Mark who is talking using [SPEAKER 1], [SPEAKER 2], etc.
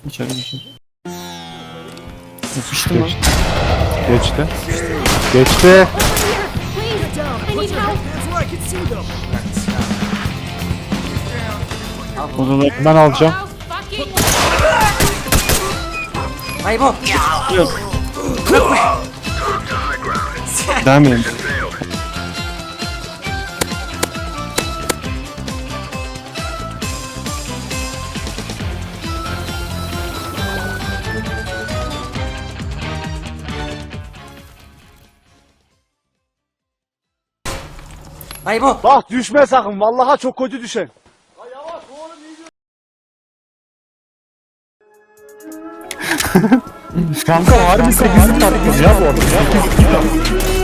[SPEAKER 1] İçeri geçir. Yapıştı mı?
[SPEAKER 2] Geçti. Geçti.
[SPEAKER 1] Odaları
[SPEAKER 2] Ben alacağım.
[SPEAKER 3] Ay bu.
[SPEAKER 1] devam edelim.
[SPEAKER 3] Ay bu.
[SPEAKER 4] Bak düşme sakın. Vallahi çok kötü düşen.
[SPEAKER 2] Kanka harbi 8'lik taktım ya bu arada.